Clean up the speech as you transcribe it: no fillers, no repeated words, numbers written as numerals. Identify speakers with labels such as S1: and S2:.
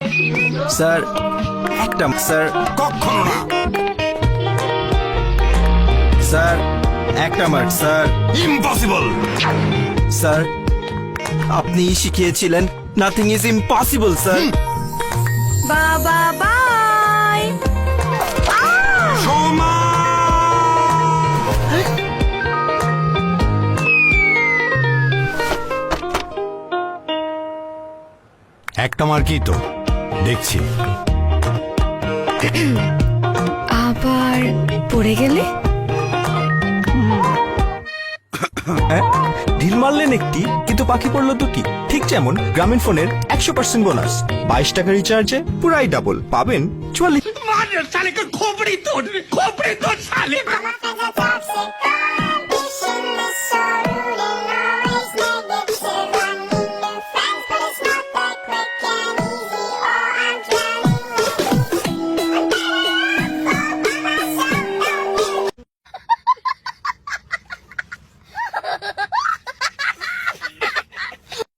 S1: Sir একটা sir
S2: কখনো না।
S1: স্যার একটা মার্ক স্যার।
S2: ইম্পসিবল।
S1: স্যার আপনি শিখিয়েছিলেন নাথিং ইজ ইম্পসিবল স্যার।
S3: বাবা বাই।
S2: সোমা একটা মার্কই তো দেখছি।
S3: আবার পড়ে গেলে?
S4: ঢিল মারলেন একটি কিন্তু পাখি পড়লো দুটি। ঠিক যেমন গ্রামীণ ফোনের 100% বোনাস, 22 টাকা রিচার্জে পুরাই ডাবল পাবেন 44।
S2: साले का खोपड़ी तोड़ साले।
S5: I'm a physical toxic condition, this sort